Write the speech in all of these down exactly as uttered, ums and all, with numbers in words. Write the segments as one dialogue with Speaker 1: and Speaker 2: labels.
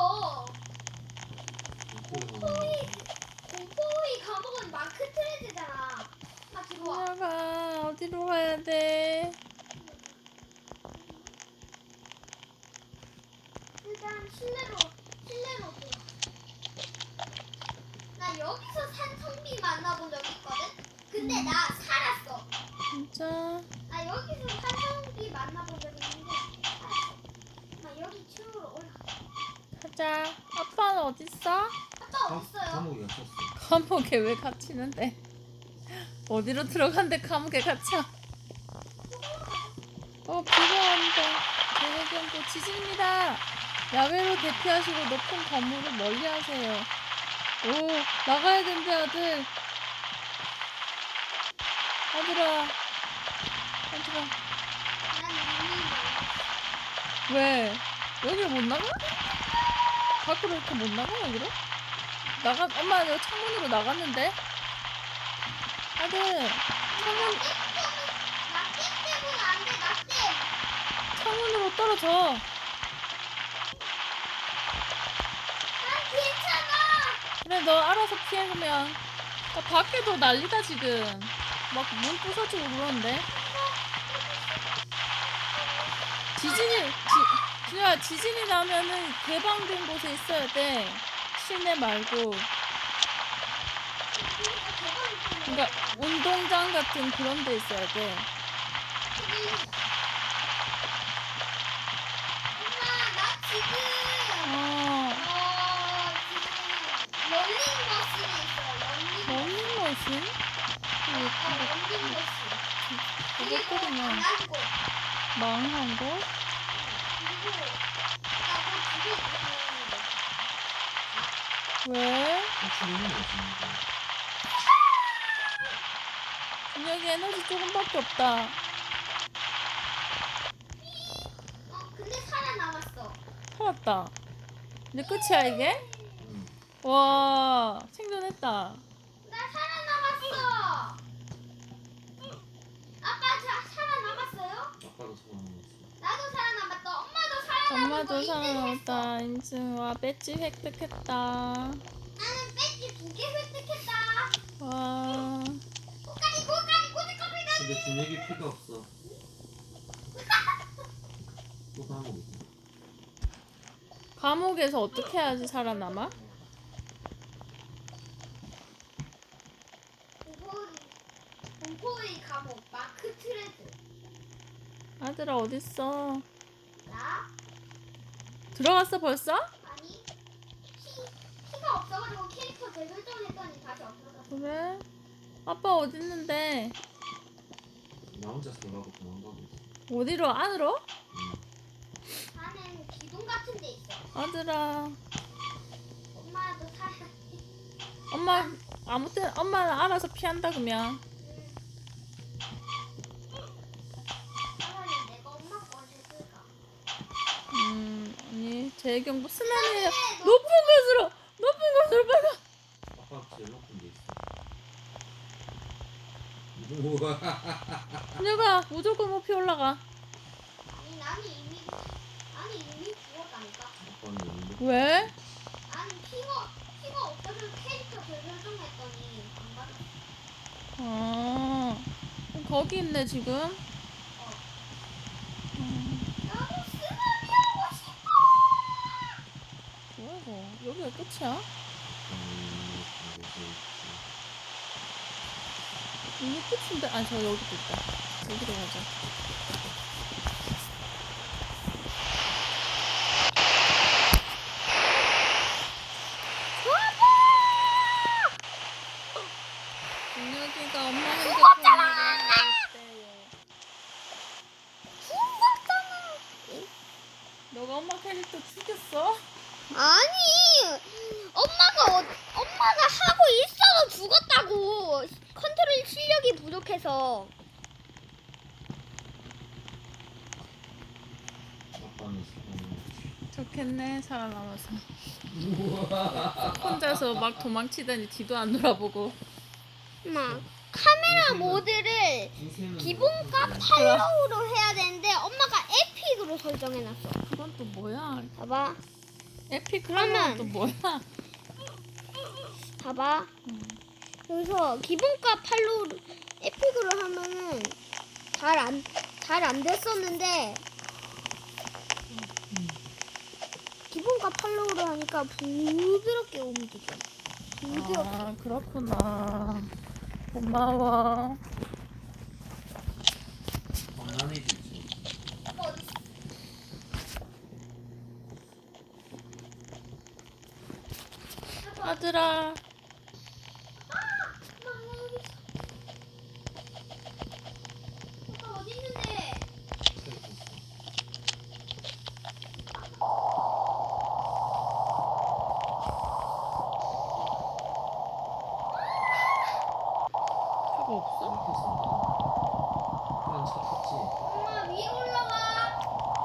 Speaker 1: 있어. 공포의 공포의 감옥은 마크 트레드잖아. 아 들어와.
Speaker 2: 준혁아 어디로 가야 돼?
Speaker 1: 일단 실내로 실내로 들어. 나 여기서 산성비 만나본 적 있거든. 근데
Speaker 2: 음.
Speaker 1: 나 살았어.
Speaker 2: 진짜?
Speaker 1: 나 여기서 산성비 만나본 적 있는데 살았어. 나 여기 층으로 올라가.
Speaker 2: 가자. 아빠는 어딨어?
Speaker 1: 아빠 어딨어요?
Speaker 3: 감옥에 갇혔어.
Speaker 2: 감옥에 왜 갇히는데? 어디로 들어간대 감옥에 갇혀? 어 비가 온다. 대해경고 지진입니다. 야외로 대피하시고 높은 건물을 멀리하세요. 오 나가야 된대 아들. 아들아. 아들아.
Speaker 1: 난 이미 멀었어.
Speaker 2: 왜? 여기를 못 나가? 밖으로 이렇게 못 나가 여기로? 나가 엄마 여기 창문으로 나갔는데? 아들 창문
Speaker 1: 낙대 때문에 안 돼. 낙대.
Speaker 2: 창문으로 떨어져.
Speaker 1: 난 괜찮아.
Speaker 2: 그래 너 알아서 피해 그러면. 나 밖에도 난리다 지금. 막 문 부서지고 그러는데. 지진이 지, 진짜 지진이 나면은 개방된 곳에 있어야 돼. 실내 말고. 그러니까 운동장 같은 그런 데 있어야 돼.
Speaker 1: 엄마 나 지금
Speaker 2: 어.
Speaker 1: 어 지금 런닝머신에 있어. 런닝
Speaker 2: 러닝머신?
Speaker 1: 어 런닝머신. 그리고
Speaker 2: 그것들이면
Speaker 1: 안한 곳.
Speaker 2: 망한 거?
Speaker 1: 그리고 나뭐 집에 있는
Speaker 2: 왜?
Speaker 3: 호출이는 없습니다.
Speaker 2: 준혁이 에너지 조금밖에 없다.
Speaker 1: 어 근데 살아남았어.
Speaker 2: 살았다. 이제 끝이야 이게?
Speaker 3: 응.
Speaker 2: 와 생존했다.
Speaker 1: 나 살아남았어. 아빠 자, 살아남았어요?
Speaker 3: 아빠도 살아남았어.
Speaker 1: 나도 살아남았다. 엄마도 살아남았고
Speaker 2: 엄마도
Speaker 1: 인증했어.
Speaker 2: 살아남았다. 인증와 배지 획득했다.
Speaker 1: 나는 배지 두 개 획득했다.
Speaker 2: 와
Speaker 1: 고까지 고까지 고지까지 나.
Speaker 3: 근데 준혁이 피가 없어. 또 감옥에 있어.
Speaker 2: 감옥에서 어떻게 해야지 살아남아?
Speaker 1: 공포의 공포의 감옥 마크 트레드.
Speaker 2: 아들아 어딨어?
Speaker 1: 나
Speaker 2: 들어갔어 벌써?
Speaker 1: 아니 피 피가 없어가지고 캐릭터 재설정했더니 다시 없어졌어.
Speaker 2: 그래? 아빠 어딨는데?
Speaker 3: 나 혼자 살라고 도망가고 있어.
Speaker 2: 어디로 안으로?
Speaker 3: 응.
Speaker 1: 나는 기둥 같은 데 있어.
Speaker 2: 아들아
Speaker 1: 엄마도 살아.
Speaker 2: 엄마 아무튼 엄마는 알아서 피한다 그러면.
Speaker 1: 차라리 내가 엄마 걸 해줄까?
Speaker 2: 음 아니 재경부 스나네요. 높은 곳으로 높은 곳으로 빨리 가.
Speaker 3: 아빠 제일 높은 데 있어. 우와.
Speaker 2: 준혁아 무조건 높이 올라가.
Speaker 1: 아니 나는 이미 아니 이미 죽었다니까.
Speaker 3: 아빠는 있는데.
Speaker 2: 왜?
Speaker 1: 나는 피가 피가 없어서 캐릭터 재설정했더니 안 받았어.
Speaker 2: 아 거기 있네 지금.
Speaker 1: 어.
Speaker 2: 음,
Speaker 1: 나도 쓰나미 하고 싶어.
Speaker 2: 뭐야 이거 여기가 끝이야?
Speaker 3: 음, 이곳에 있지.
Speaker 2: 이게 끝인데 아니 저 여기도 있다. 여기로 가자. 준혁이가 엄마 핸드폰으로 있대요.
Speaker 1: 죽었잖아.
Speaker 2: 너가 엄마 캐릭터 죽였어?
Speaker 1: 아니 엄마가 어, 엄마가 하고 있어도 죽었다고. 컨트롤 실력이 부족해서.
Speaker 3: 아빠는 살아남았지.
Speaker 2: 좋겠네 살아남아서.
Speaker 3: 우와.
Speaker 2: 혼자서 막 도망치다니 뒤도 안 돌아보고.
Speaker 1: 엄마 카메라 모드를
Speaker 3: 인생은
Speaker 1: 기본값
Speaker 3: 그래.
Speaker 1: 팔로우로 해야 되는데 엄마가 에픽으로 설정해놨어.
Speaker 2: 그건 또 뭐야?
Speaker 1: 봐봐.
Speaker 2: 에픽
Speaker 1: 그러면-
Speaker 2: 하면 또 뭐야?
Speaker 1: 봐봐. 여기서 기본가 팔로우 에픽으로 하면은 잘 안 잘 안 됐었는데 기본가 팔로우로 하니까 부드럽게 움직여. 부드럽게.
Speaker 2: 아 그렇구나. 고마워.
Speaker 3: 장난이지.
Speaker 2: 아들아.
Speaker 1: 아빠 어디 있는데?
Speaker 2: 차가 없어?
Speaker 3: 그냥 차 탔지.
Speaker 1: 엄마 위로 올라와.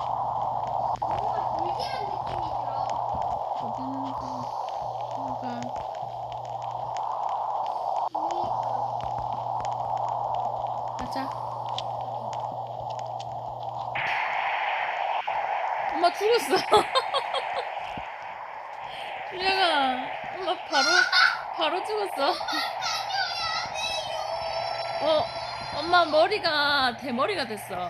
Speaker 1: 뭔가 불길한 느낌이 들어.
Speaker 2: 어디 있는지. 뭐가. 가자. 엄마 죽었어. 준혁아, 엄마 바로 바로 죽었어. 어, 엄마 머리가 대머리가 됐어.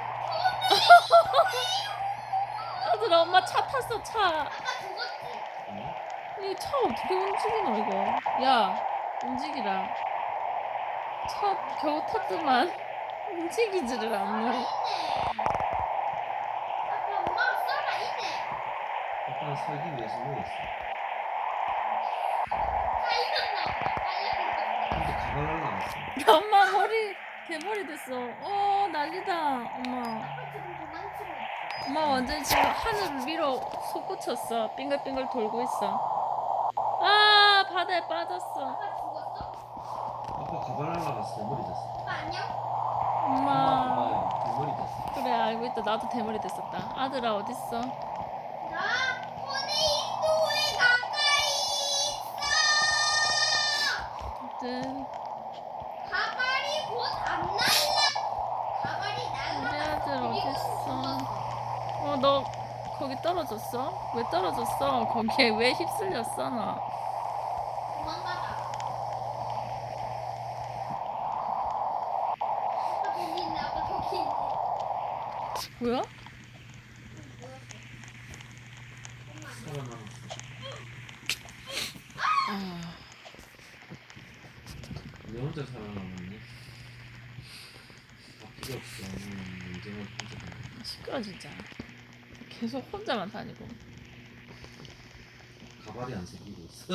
Speaker 2: 아들아, 엄마 차 탔어 차.
Speaker 1: 아빠 죽었지?
Speaker 3: 응?
Speaker 2: 이 차 어떻게 움직이노 이거? 야, 움직이라. 차 겨우 탔더만 움직이지를 않노.
Speaker 1: 있네. 아빠 엄마가 살아 있네.
Speaker 3: 아빠는 살기 위해서 누웠어.
Speaker 1: 살렸나 보다. 살렸나
Speaker 3: 근데 가발 날라갔어.
Speaker 2: 엄마 머리 대머리 됐어. 어 난리다. 엄마.
Speaker 1: 아빠 지금 도망치고 있어.
Speaker 2: 엄마 완전 지금 하늘을 위로 솟구쳤어. 빙글빙글 돌고 있어. 아 바다에 빠졌어.
Speaker 1: 아빠 죽었어?
Speaker 3: 아빠 가발 날라갔어. 대머리 됐어.
Speaker 1: 아빠 안녕?
Speaker 2: 엄마.
Speaker 3: 엄마 대머리 됐어.
Speaker 2: 그래 알고 있다. 나도 대머리 됐었다. 아들아 어딨어?
Speaker 1: 나 포네인도에 가까이 있어.
Speaker 2: 아들.
Speaker 1: 가발이 곧 안 날라. 가발이
Speaker 2: 우리
Speaker 1: 날라.
Speaker 2: 아들 어딨어? 어 너 거기 떨어졌어? 왜 떨어졌어? 거기에 왜 휩쓸렸어 너?
Speaker 1: 도망가다. 아빠 저기 있네. 아빠 저기 있네.
Speaker 2: 뭐야?
Speaker 3: 살아남았어.
Speaker 2: 아,
Speaker 3: 왜 혼자 살아남았니? 다 필요 없어. 음, 인생을 혼자 살아.
Speaker 2: 시끄러 진짜. 계속 혼자만 다니고.
Speaker 3: 가발이 안 생기고 있어.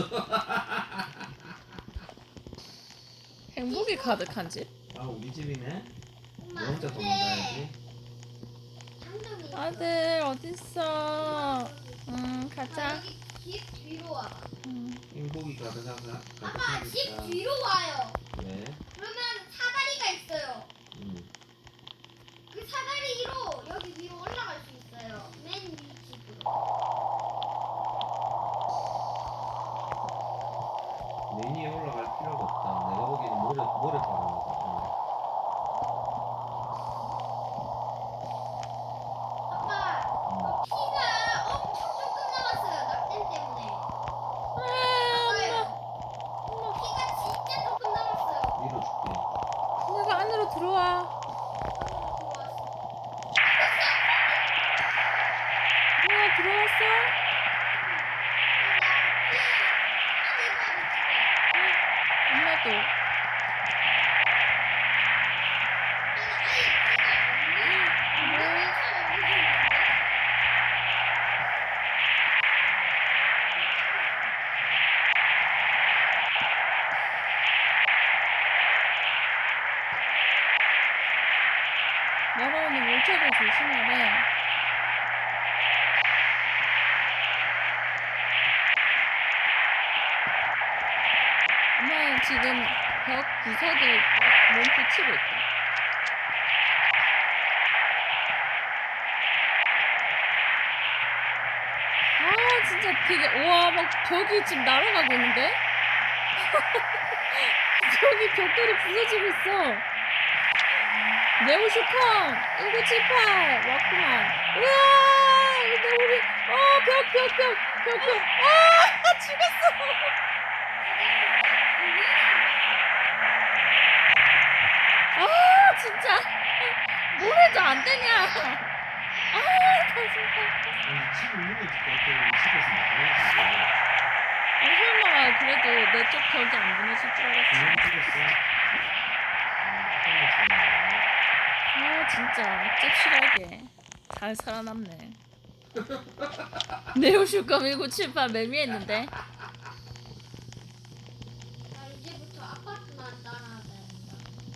Speaker 2: 행복이 가득한 집.
Speaker 3: 아 우리 집이네.
Speaker 1: 엄마,
Speaker 3: 왜 혼자
Speaker 1: 근데
Speaker 3: 도망가야지?
Speaker 1: 장점이 있어.
Speaker 2: 아들 어딨어? 응
Speaker 1: 아,
Speaker 2: 가자.
Speaker 1: 여기 집 뒤로 와.
Speaker 2: 응.
Speaker 3: 행복이 가득하가
Speaker 1: 아빠 집
Speaker 3: 가득하니까.
Speaker 1: 뒤로 와요.
Speaker 3: 왜?
Speaker 1: 그러면 사다리가 있어요.
Speaker 3: 음.
Speaker 1: 그 사다리로 여기 위로 올라갈 수 있어요. 맨 위 집으로.
Speaker 3: 맨 위에 올라갈 필요가 없다. 내가 보기에는 모래 모래 바르는 거.
Speaker 1: 아빠, 어, 피가 엄청 조금 남았어요. 낙뎀 때문에.
Speaker 2: 아,
Speaker 1: 아빠요. 피가 진짜 조금 남았어요.
Speaker 3: 밀어줄게.
Speaker 2: 내가 안으로 들어와.
Speaker 1: 안으로 들어왔어.
Speaker 2: 누가 들어왔어? 엄마도. 날아오는 물체를 조심하래. 엄마는 지금 벽 구석에 몸 붙이고 있다. 아 진짜 되게 우와 막 벽이 지금 날아가고 있는데? 벽이 벽돌이 부서지고 있어. 네오슈컴 일구칠팔 왔구만. 우와 근데 우리 어벽 벽 벽 벽구. 아 죽었어. 아 진짜. 뭘 해도 안 되냐. 아 정말.
Speaker 3: 아니 집을 무너질 것 같아. 집에서 나가야지.
Speaker 2: 아, 설마 그래도 내 쪽 벽이 안 무너질 줄 알았지.
Speaker 3: 그냥 찍었어.
Speaker 2: 아 진짜 찝실하게 잘 살아남네. 네오슈컴 일구칠팔 매미했는데.
Speaker 1: 나 이제부터 아파트만 따라야 된다.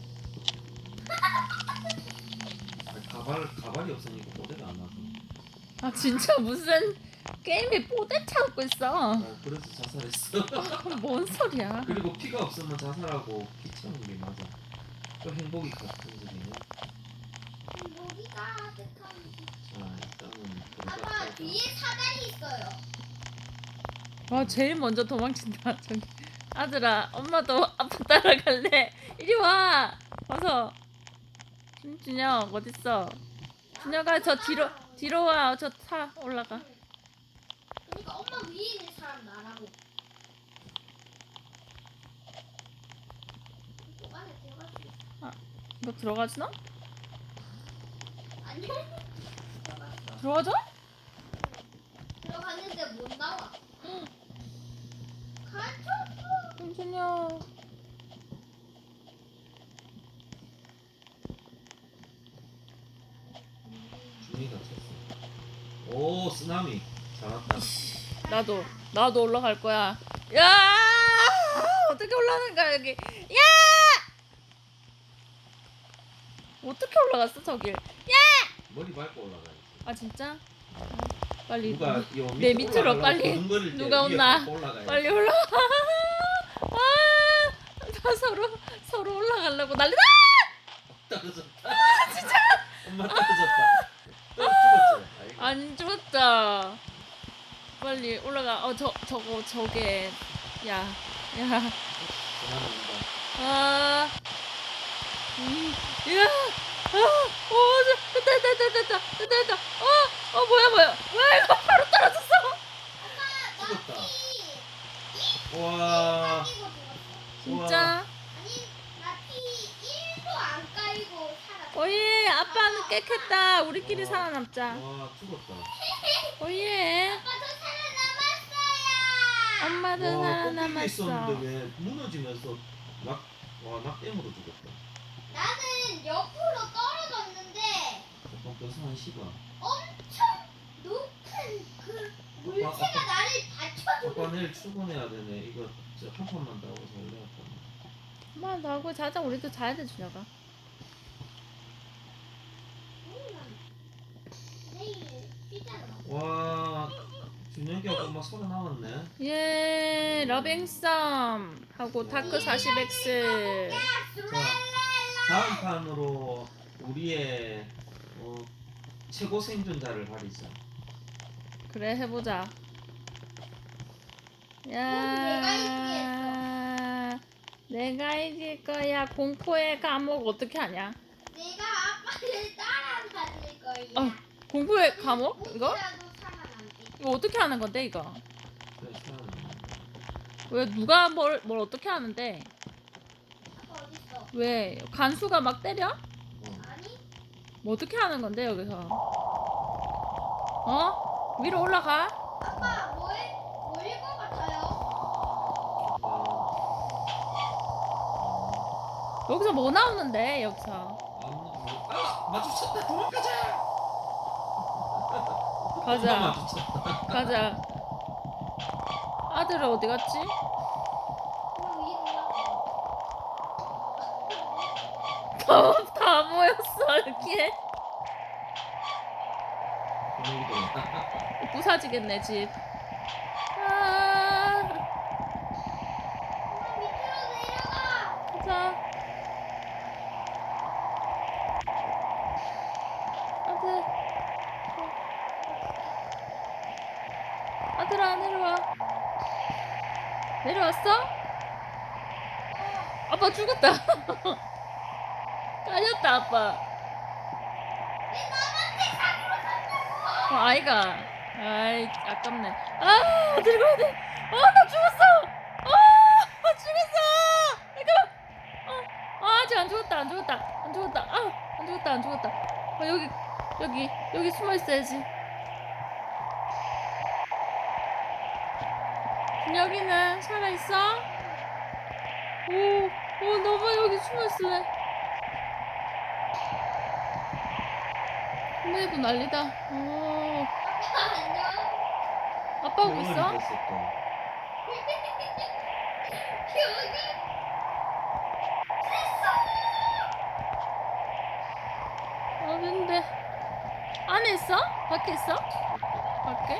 Speaker 3: 가발 가발이 없으니까 모델가 안 나서.
Speaker 2: 아 진짜 무슨 게임에 뽀대 찾고 있어.
Speaker 3: 어, 그래서 자살했어.
Speaker 2: 뭔 소리야.
Speaker 3: 그리고 피가 없으면 자살하고 피 채우는 게 맞아. 또 행복이 같은 소리네.
Speaker 1: 여기가 아득한.
Speaker 3: 자 일단은
Speaker 1: 아빠
Speaker 3: 들어갔다가
Speaker 1: 뒤에 사다리 있어요.
Speaker 2: 와 제일 먼저 도망친다. 저기 아들아 엄마도 아빠 따라갈래. 이리 와. 와서. 준- 준혁 어딨어. 준혁아 저 뒤로 뒤로 와. 저 타 올라가.
Speaker 1: 그러니까 엄마 위에 있는 사람 나라고. 또 안에 들어갈 수 있어.
Speaker 2: 너 들어가지나?
Speaker 1: 안녕. 들어갔어.
Speaker 2: 들어가자?
Speaker 1: 들어갔는데 못 나와. 갇혔어.
Speaker 2: 준혁.
Speaker 3: 준이가 쳤어. 오 쓰나미 잘한다.
Speaker 2: 나도 나도 올라갈 거야. 야 어떻게 올라가는 거야 여기. 야 어떻게 올라갔어 저길.
Speaker 3: 머리 밟고 올라가야지.
Speaker 2: 아 진짜? 빨리
Speaker 3: 누가 요
Speaker 2: 내
Speaker 3: 밑에
Speaker 2: 밑으로
Speaker 3: 올라가려고
Speaker 2: 빨리
Speaker 3: 걸음걸일 때
Speaker 2: 누가
Speaker 3: 위에
Speaker 2: 온나.
Speaker 3: 밟고 올라가야지.
Speaker 2: 빨리 올라가. 아, 다 서로 서로 올라가려고 난리다.
Speaker 3: 떨어졌다. 아 진짜. 엄마 떨어졌다. 또 죽었지. 아이고.
Speaker 2: 안 죽었다. 빨리 올라가. 어 저 저거 저게 야 야.
Speaker 3: 전화 온다.
Speaker 2: 아, 음, 야, 아, 오, 저, 됐다, 됐다, 됐다, 됐다, 됐다. 어, 어, 뭐야, 뭐야, 뭐야, 이거 바로 떨어졌어.
Speaker 3: 죽었다.
Speaker 1: 피
Speaker 3: 와.
Speaker 1: 까이고 죽었어.
Speaker 2: 진짜?
Speaker 1: 아니 나 피 일도 안 까이고 살았어.
Speaker 2: 오예, 아빠는 깨끗다. 우리끼리
Speaker 3: 와.
Speaker 2: 살아남자.
Speaker 3: 와 죽었다.
Speaker 2: 오예,
Speaker 1: 아빠 저 살아남았어요.
Speaker 2: 엄마도
Speaker 3: 와 꺾이게
Speaker 2: 살아남았어.
Speaker 3: 있었는데 왜 무너지면서 낙와낙 댐으로 죽었다.
Speaker 1: 나는 옆으로 떨어졌는데
Speaker 3: 잠깐 뼈상 씹어.
Speaker 1: 엄청 높은 그 물체가
Speaker 3: 아빠.
Speaker 1: 나를 받쳐주고
Speaker 3: 아빠 내일 출근해야 되네. 이거 저 한 판만 더 하고 잘래 아빠.
Speaker 2: 엄마 나하고 자자. 우리도 자야 돼, 준혁아.
Speaker 1: 내일 쉬잖아.
Speaker 3: 와 준혁이하고 엄마 살아남았네.
Speaker 2: 예, 러빙썸 하고 다크 사십 엑스.
Speaker 3: 자 다음 판으로 우리의 어, 최고 생존자를 가리자.
Speaker 2: 그래 해보자.
Speaker 1: 내가
Speaker 2: 야, 내가 이길 거야. 공포의 감옥 어떻게 하냐?
Speaker 1: 내가 아빠를 따라다닐 거야.
Speaker 2: 어, 공포의 감옥 이거?
Speaker 1: 혹시라도 살아남게.
Speaker 2: 이거 어떻게 하는 건데 이거?
Speaker 3: 그래 살아남네.
Speaker 2: 왜 누가 뭘 뭘 어떻게 하는데?
Speaker 1: 아빠 어딨어?
Speaker 2: 왜 간수가 막 때려?
Speaker 3: 어.
Speaker 1: 아니?
Speaker 2: 뭐 어떻게 하는 건데 여기서? 어? 위로 올라가?
Speaker 1: 아빠 뭐해? 뭐일 것 같아요?
Speaker 3: 아빠.
Speaker 2: 여기서 뭐 나오는데 여기서?
Speaker 3: 아무도 못. 아 마주쳤다. 도망가자. 엄마
Speaker 2: 가자.
Speaker 3: 마주쳤다.
Speaker 2: 가자. 아들은 어디 갔지?
Speaker 1: 그럼 위로 올라가.
Speaker 2: 다, 다 모였어 이렇게.
Speaker 3: 분위기도.
Speaker 2: 부사지겠네 집. 아,
Speaker 1: 엄마 밑으로 내려가.
Speaker 2: 자. 아들. 아들아 내려와. 내려왔어? 아빠 죽었다. 깔렸다 아빠.
Speaker 1: 왜 남한테 사기로 산다고?
Speaker 2: 어, 아이가 아이 아깝네. 아 어디로 가야 돼? 어나 죽었어. 어 죽었어. 잠깐만. 어, 아, 아직 안 죽었다 안 죽었다 안 죽었다. 아안 죽었다 안 죽었다. 아 여기 여기 여기 숨어 있어야지. 준혁이는 살아 있어? 오, 오 너무 여기 숨어 있을래. 혼내고 난리다. 오,
Speaker 1: 안녕.
Speaker 2: 아빠 오고 있어?
Speaker 3: 됐어 또.
Speaker 1: 여기
Speaker 2: 아 근데 안에 있어? 밖에 있어? 밖에?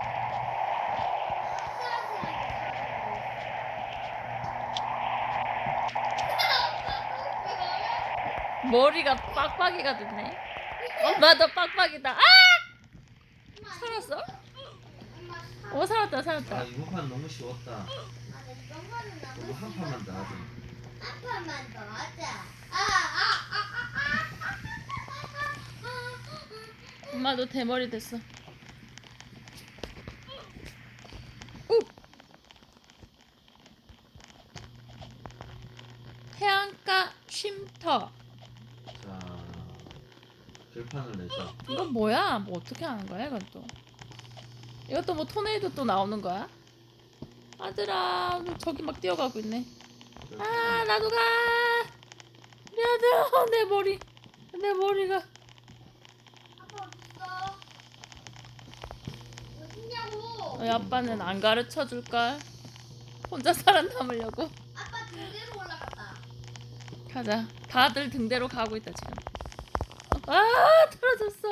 Speaker 2: 머리가 빡빡이가 됐네. 엄마도 빡빡이다. 아! 살았어? 오 살았다 살았다.
Speaker 3: 아 이번 판 너무 쉬웠다. 너무 한 판만 더 하자.
Speaker 1: 한 판만 더 하자. 아, 아, 아, 아, 아.
Speaker 2: 엄마도 대머리 됐어. 우! 해안가 쉼터.
Speaker 3: 자 결판을 내자.
Speaker 2: 이건 뭐야? 뭐 어떻게 하는 거야 이건 또? 이것도 뭐 토네이도 또 나오는 거야? 아들아 저기 막 뛰어가고 있네. 아
Speaker 3: 결판을
Speaker 2: 나도 가. 우리 아들 내 머리 내 머리가.
Speaker 1: 아빠 어딨어? 어딨냐고?
Speaker 2: 왜 아빠는 안 가르쳐 줄걸? 혼자 살아남으려고.
Speaker 1: 아빠 등대로 올라갔다.
Speaker 2: 가자. 다들 등대로 가고 있다 지금. 아 떨어졌어.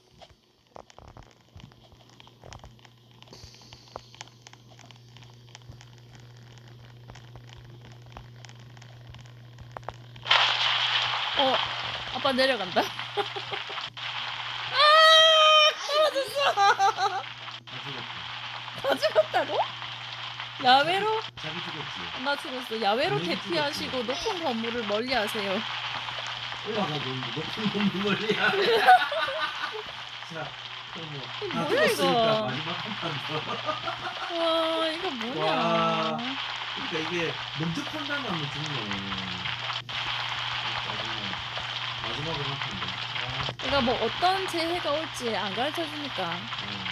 Speaker 2: 어 아빠 내려간다. 아 떨어졌어.
Speaker 3: 다 죽었다.
Speaker 2: 다 죽었다고? 야외로?
Speaker 3: 자기 죽었지.
Speaker 2: 나 죽었어. 야외로
Speaker 3: 분명히
Speaker 2: 대피하시고 높은 건물을 멀리하세요.
Speaker 3: 올라가 너무 높은 건물 멀리야. 자 그럼
Speaker 2: 이거
Speaker 3: 뭐다
Speaker 2: 뭐야,
Speaker 3: 죽었으니까
Speaker 2: 이거?
Speaker 3: 마지막 한 판 더.
Speaker 2: 와 이거 뭐냐?
Speaker 3: 와. 그러니까 이게 먼저 판단하면 죽네. 짜증나. 마지막으로 한 판 더. 아,
Speaker 2: 그러니까 뭐 어떤 재해가 올지 안 가르쳐 주니까.
Speaker 3: 어.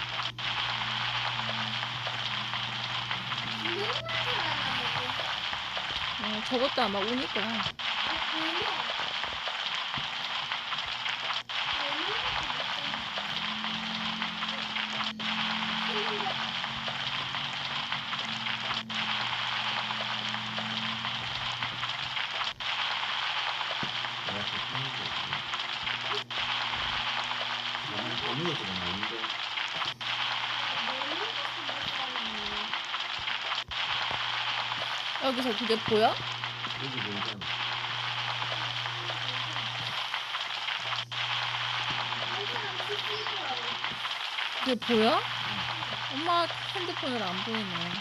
Speaker 1: 분명만 살아남았고.
Speaker 2: 어, 저것도 아마 오니까.
Speaker 1: 아, 분명.
Speaker 3: 내가 그 하는 거 없네. 나는 범위에서가 나는데
Speaker 2: 여기서 그게 보여?
Speaker 3: 여기 보이잖아.
Speaker 2: 그게 보여? 엄마 핸드폰으로 안 보이네.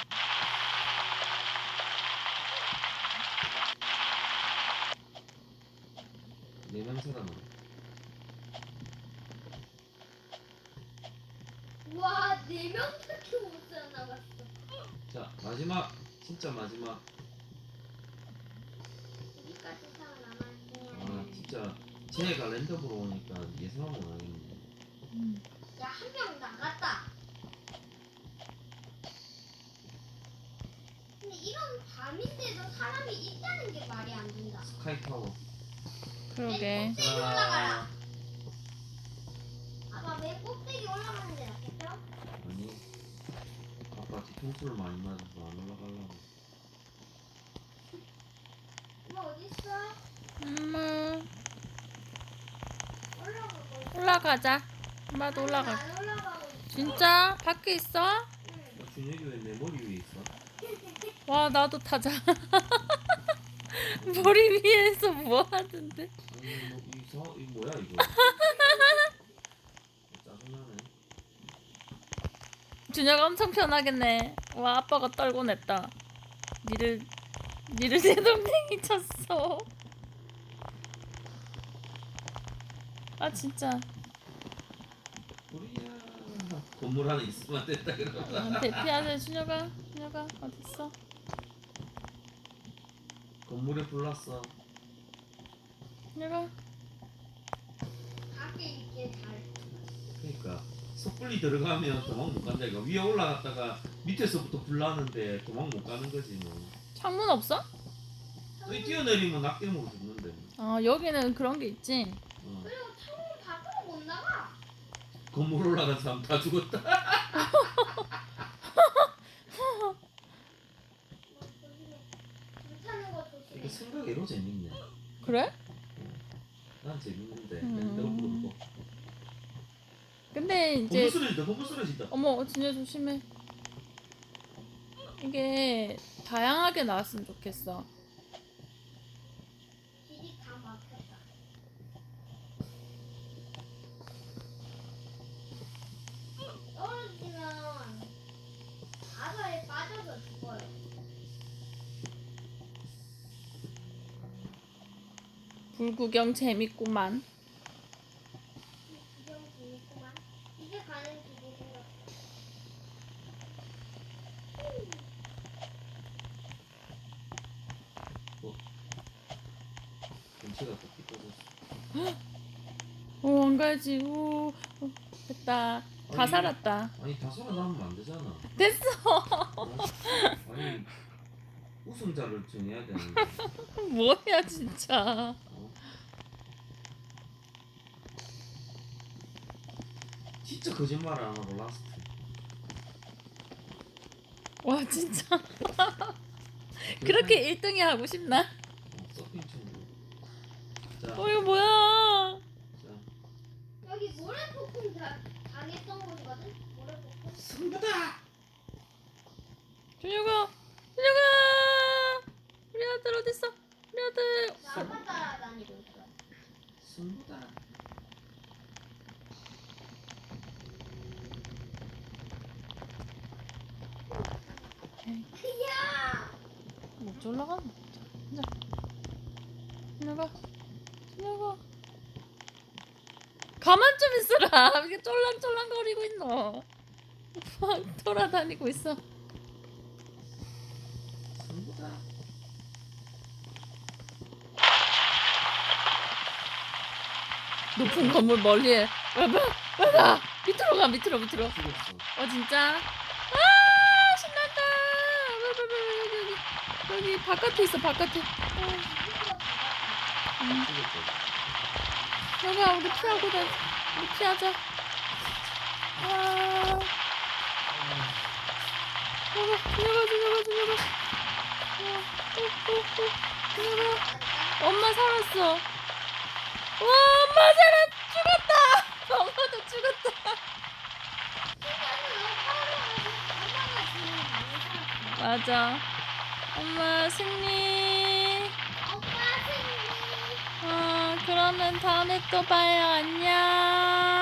Speaker 3: 내 냄새가 나.
Speaker 1: 와, 네 명밖에 못 살아남았어.
Speaker 3: 자 마지막 진짜 마지막.
Speaker 1: 여기까지
Speaker 3: 아
Speaker 1: 살아남았네.
Speaker 3: 진짜 쟤가 랜덤으로 오니까 예상하고 나겠네.
Speaker 2: 음.
Speaker 1: 야, 한 명 나갔다. 근데 이런 밤인데도 사람이 있다는 게 말이 안 된다.
Speaker 3: 스카이 타워.
Speaker 2: 그러게.
Speaker 1: 꼭대기 올라가라. 아빠 맨 꼭대기 올라가는 게 낫겠죠?
Speaker 3: 아니 아빠 뒤통수를 많이 맞아서 안 올라가려고.
Speaker 1: 엄마 어딨어?
Speaker 2: 엄마
Speaker 1: 올라가고 있어.
Speaker 2: 올라가자. 엄마도
Speaker 1: 아니,
Speaker 2: 올라가.
Speaker 1: 안 올라가고 있어.
Speaker 2: 진짜? 밖에 있어?
Speaker 1: 응.
Speaker 3: 어, 준혁이 왜 내 머리 위에 있어?
Speaker 2: 와 나도 타자. 머리 위에서 뭐 하던데?
Speaker 3: 아니 뭐 이거 이 뭐야 이거? 짜증나네.
Speaker 2: 준혁아 엄청 편하겠네. 와 아빠가 떨고 냈다. 니를 니를 내 동생이 쳤어. 아 진짜.
Speaker 3: 우리야. 건물 안에 있으면 안 된다 그러면
Speaker 2: 어, 대피하자. 준혁아, 준혁아 어딨어?
Speaker 3: 건물에 불났어.
Speaker 2: 준혁아.
Speaker 1: 밖에 있게 잘.
Speaker 3: 그러니까 섣불리 들어가면 도망 못 간다 이거. 위에 올라갔다가 밑에서부터 불나는데 도망 못 가는 거지 뭐.
Speaker 2: 창문 없어?
Speaker 3: 또 뛰어내리면 낙대먹어 죽는데.
Speaker 2: 어, 여기는 그런 게 있지.
Speaker 3: 어.
Speaker 1: 그리고 창문 밖으로 못 나가.
Speaker 3: 건물 올라간 사람 다 죽었다.
Speaker 1: 뭐, 조심해. 불타는 거 조심해.
Speaker 3: 이게 생각외로 재밌네.
Speaker 2: 그래?
Speaker 3: 난 재밌는데.
Speaker 2: 음.
Speaker 3: 내가 부르고.
Speaker 2: 근데
Speaker 3: 건물
Speaker 2: 이제
Speaker 3: 쓰러진다. 건물 쓰러진다.
Speaker 2: 어머, 진짜 조심해. 이게 다양하게 나왔으면 좋겠어.
Speaker 1: 길이 다 막혔다. 떨어지면 바다에 빠져서 죽어요.
Speaker 2: 불구경 재밌구만.
Speaker 1: 이 구경 재밌구만. 이제 가는 길이 생겼어.
Speaker 3: 경치가 딱 삐뚤어졌어.
Speaker 2: 오, 안 가야지. 오, 어, 됐다. 다
Speaker 3: 아니,
Speaker 2: 살았다.
Speaker 3: 아니 다 살아남으면 안 되잖아.
Speaker 2: 됐어.
Speaker 3: 어? 아니 우승자를 정해야 되는데.
Speaker 2: 뭐야 진짜.
Speaker 3: 어? 진짜 거짓말을 안 하고 라스트.
Speaker 2: 와 진짜. 그렇게 일 등이 하고 싶나?
Speaker 3: 어, 서핑 친구. 자,
Speaker 2: 어 이거 뭐야?
Speaker 3: 자,
Speaker 1: 여기 모래폭풍 다 당했던 곳이거든? 모래폭풍?
Speaker 3: 승부다.
Speaker 2: 준혁아, 준혁아, 우리 아들 어딨어? 우리 아들.
Speaker 1: 나 아빠 따라다니고 있어.
Speaker 3: 승부다.
Speaker 1: 야!
Speaker 2: 못 올라가네. 자, 준혁아, 준혁아. 가만 좀 있어라. 왜 이렇게 쫄랑쫄랑거리고 있노? 막 돌아다니고 있어.
Speaker 3: 승부다.
Speaker 2: 높은 건물 멀리에. 와봐, 와봐. 밑으로 가, 밑으로, 밑으로.
Speaker 3: 죽었어.
Speaker 2: 어 진짜? 아 신난다. 왜, 왜, 왜, 여기 여기 여기 바깥에 있어 바깥에. 어, 음.
Speaker 3: 죽었어.
Speaker 2: 여가 우리 피하고 다 우리 피하자. 아 여가 준혁아 준혁아 준혁아. 준혁아 엄마 살았어. 와 엄마 살았 죽었다. 엄마도 죽었다. 맞아. 엄마 승리.
Speaker 1: 오빠 승리.
Speaker 2: 어, 그러면 다음에 또 봐요. 안녕.